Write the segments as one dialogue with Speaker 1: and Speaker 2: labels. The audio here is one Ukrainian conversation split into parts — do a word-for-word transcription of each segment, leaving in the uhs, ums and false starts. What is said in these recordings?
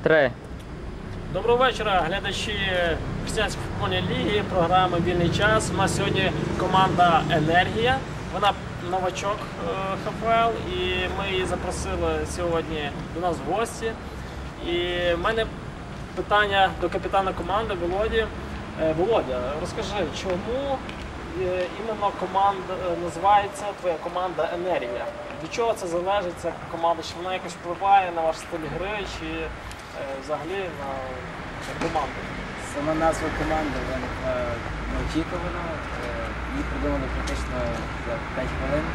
Speaker 1: Три.
Speaker 2: Доброго вечора, глядачі Християнської футбольної ліги, програми «Вільний час». У нас сьогодні команда «Енергія». Вона новачок ХФЛ, і ми її запросили сьогодні до нас в гості. І в мене питання до капітана команди Володі. Володя, розкажи, чому іменно команда називається твоя команда «Енергія»? Від чого це залежить, ця команда? Чи вона якось впливає на ваш стиль гри, чи взагалі на команду?
Speaker 3: Сама назва команди виникла неочікувано. Її придумали практично за п'ять хвилин.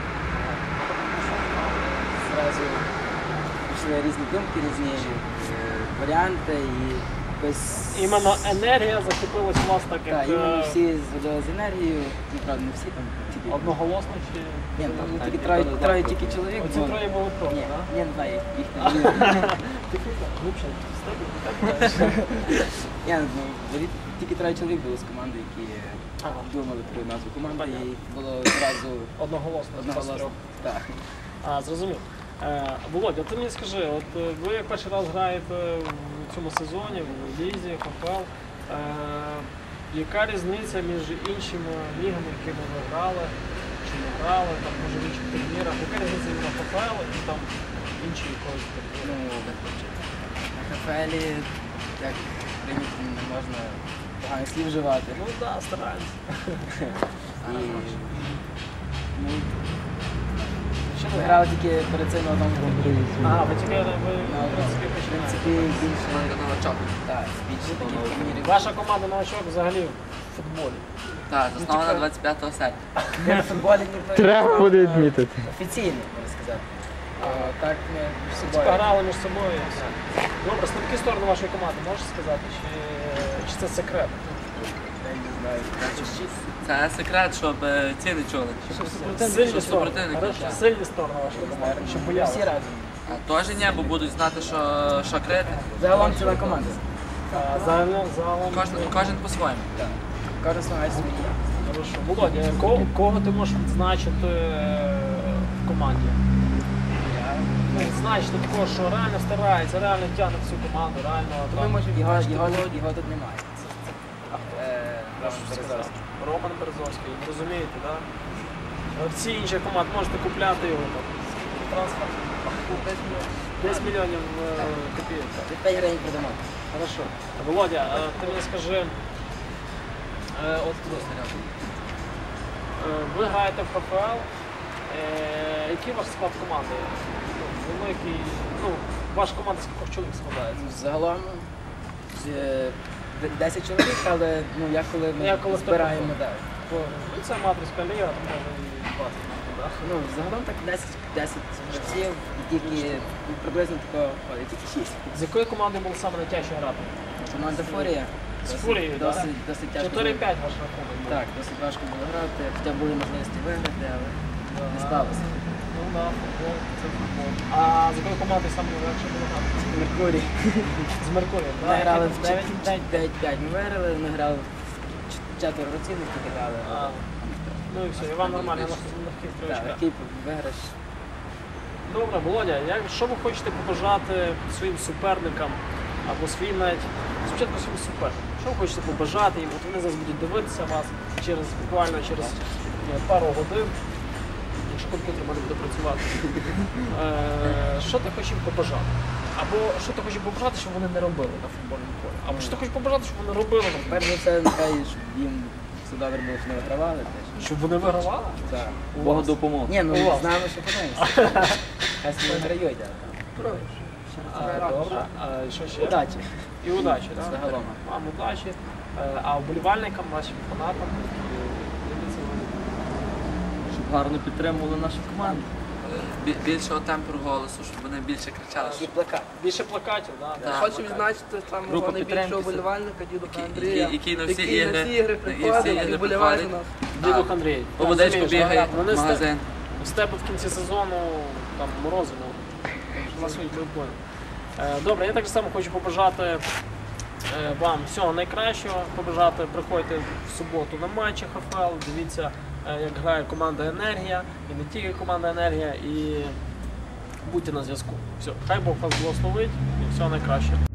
Speaker 3: Зразу пішли різні думки, різні варіанти. І без...
Speaker 2: Іменно «Енергія» закріпилась у вас так, як...
Speaker 3: Так, іменно всі зводили з енергією, правда, не всі там тільки...
Speaker 2: Одноголосно чи...
Speaker 3: Ні, там тільки троє, троє тільки чоловік.
Speaker 2: Оці троє були проти,
Speaker 3: Ні,
Speaker 2: так?
Speaker 3: я не знаю, їх не
Speaker 2: Ти глибше,
Speaker 3: Ні, ну, тільки троє чоловік було з команди, які думали про назву команди, і було одразу
Speaker 2: одноголосно.
Speaker 3: одноголосно. Так.
Speaker 2: А, зрозумів. Володя, ти мені скажи, от ви як перший раз граєте в цьому сезоні, в лізі, ХФЛ, яка різниця між іншими лігами, якими ви грали, чи не грали, там, може в інших турнірах, яка різниця на ХФЛ і там інші якоїсь турніри?
Speaker 3: На ХФЛ, як прийнято, не можна поганих слів вживати.
Speaker 2: Ну так, да, стараємося.
Speaker 3: Ми грали тільки перед цим на одному турнірі.
Speaker 2: А, ви тільки ви, в принципі,
Speaker 3: В
Speaker 2: починаєте.
Speaker 3: принципі, більше новачок. Так, більше таких турнірів.
Speaker 2: Ваша команда новачок взагалі в футболі.
Speaker 4: Так, заснована двадцять п'ятого серпня.
Speaker 3: Ні в футболі, ні в
Speaker 1: Треба буде відмітити.
Speaker 3: офіційно, можна сказати. А так ми між
Speaker 2: Типа
Speaker 3: собою.
Speaker 2: грали між собою і все. Добре, слабкі сторони вашої команди можеш сказати, чи, чи це секрет?
Speaker 3: Я не знаю.
Speaker 4: Це секрет, щоб е, ці не чули.
Speaker 2: Сильні
Speaker 4: Щоб
Speaker 2: сторони.
Speaker 4: супротивник не
Speaker 2: Хорошо,
Speaker 4: чув.
Speaker 2: сильні сторони вашої команди, щоб
Speaker 3: Ми
Speaker 2: боялися.
Speaker 3: всі разом.
Speaker 4: А теж ні, бо будуть знати, що, що крити.
Speaker 3: Загалом ціла команда.
Speaker 2: А, Загалом, загалом.
Speaker 4: Кожен, кожен по-своєму.
Speaker 3: Так. Кожен знає свої.
Speaker 2: Хорошо. Володя, кого, кого ти можеш відзначити е, в команді? Ну, відзначити такого, що реально старається, реально тягне всю команду, реально.
Speaker 3: Ми
Speaker 2: там,
Speaker 3: можемо його, його, його тут немає. Е,
Speaker 2: Роман Березовський. Роман Березовський, розумієте, так? Да? Всі інші команди можете купляти його там. Трансфер. десять мільйонів е, копійок.
Speaker 3: Від п'ять гривень продамо.
Speaker 2: Хорошо. Володя, е, ти мені скажи, е, от е, ви граєте в ХФЛ, е, який ваш склад команди? Ну, великий, ну, ваша команда з кількох чоловік складається?
Speaker 3: Загалом е, десять чоловік, але ну, як коли ми
Speaker 2: Як коли
Speaker 3: збираємо,
Speaker 2: хто
Speaker 3: так.
Speaker 2: Ну, це матрицька ліга, то може і двадцять. Да?
Speaker 3: Ну, загалом так десять, десять гравців, тільки ну, приблизно такого ходить, тільки шість.
Speaker 2: З якої команди було саме найтяжче грати?
Speaker 3: Команда Фурія.
Speaker 2: З Фурією, так?
Speaker 3: Досить, досить тяжко.
Speaker 2: чотири
Speaker 3: було.
Speaker 2: п'ять ваш рахунок був.
Speaker 3: Так, досить важко було грати, хоча були можливості виграти, але не склалося.
Speaker 2: Ну так, футбол, це футбол. А з якої команди саме легше було грати?
Speaker 3: Меркурій.
Speaker 2: З Меркурієм,
Speaker 3: Ми
Speaker 2: так?
Speaker 3: грали в
Speaker 2: дев'ять
Speaker 3: дев'ять п'ять, ми виграли, ми грали в четверо роцінних тільки грали.
Speaker 2: А, ну і все, і вам нормально, на легких
Speaker 3: Так,
Speaker 2: стрічках.
Speaker 3: такий виграш.
Speaker 2: Добре, Володя, як, що ви хочете побажати своїм суперникам або своїм навіть, спочатку своїм суперникам? Що ви хочете побажати їм? От вони зараз будуть дивитися вас через, буквально через е, пару годин, якщо комп'ютер може буде працювати. Е, що ти хочеш їм побажати? Або що ти хочеш побажати, щоб вони не робили на футбольному полі? Або що ти хочеш побажати, щоб вони робили на футбольному
Speaker 3: Перш за все, нехай щоб їм все добре було, що не вигравали теж.
Speaker 2: полі? Щоб вони вигравали?
Speaker 3: Так.
Speaker 4: Богу допомог.
Speaker 3: Ні, ну
Speaker 2: У вас.
Speaker 3: знаємо, що подивимося. Хай собі виграють, але
Speaker 2: А, добре. А, що ще?
Speaker 3: удачі.
Speaker 2: І удачі, так?
Speaker 3: Загалом.
Speaker 2: Вам удачі. Е, А вболівальникам, вашим фанатам, які дивляться вони.
Speaker 4: Щоб гарно підтримували нашу команду. Бі- Більшого темпу голосу, щоб вони більше кричали.
Speaker 3: І плакат.
Speaker 2: Більше плакатів, да?
Speaker 4: Так.
Speaker 5: Хочу відзначити самого
Speaker 4: Група
Speaker 5: найбільшого
Speaker 4: підтримки.
Speaker 5: вболівальника, дідуха
Speaker 4: Який-
Speaker 5: Андрія,
Speaker 4: який на всі
Speaker 5: який на
Speaker 4: ігри-
Speaker 5: всі ігри
Speaker 4: на всі
Speaker 5: приходить
Speaker 4: ігри
Speaker 5: і вболіває за
Speaker 4: приходить.
Speaker 5: нас.
Speaker 2: Дідух Андрій.
Speaker 4: По водичку
Speaker 2: Розумієш,
Speaker 4: бігає
Speaker 2: да? Вони
Speaker 4: в
Speaker 2: з те-
Speaker 4: магазин.
Speaker 2: з тебе в кінці сезону там морозиво. Ласують прикольно. Добре, я так само хочу побажати е, вам всього найкращого, побажати, приходьте в суботу на матчі ХФЛ, дивіться, е, як грає команда «Енергія», і не тільки команда «Енергія», і будьте на зв'язку. Все, хай Бог вас благословить і всього найкращого.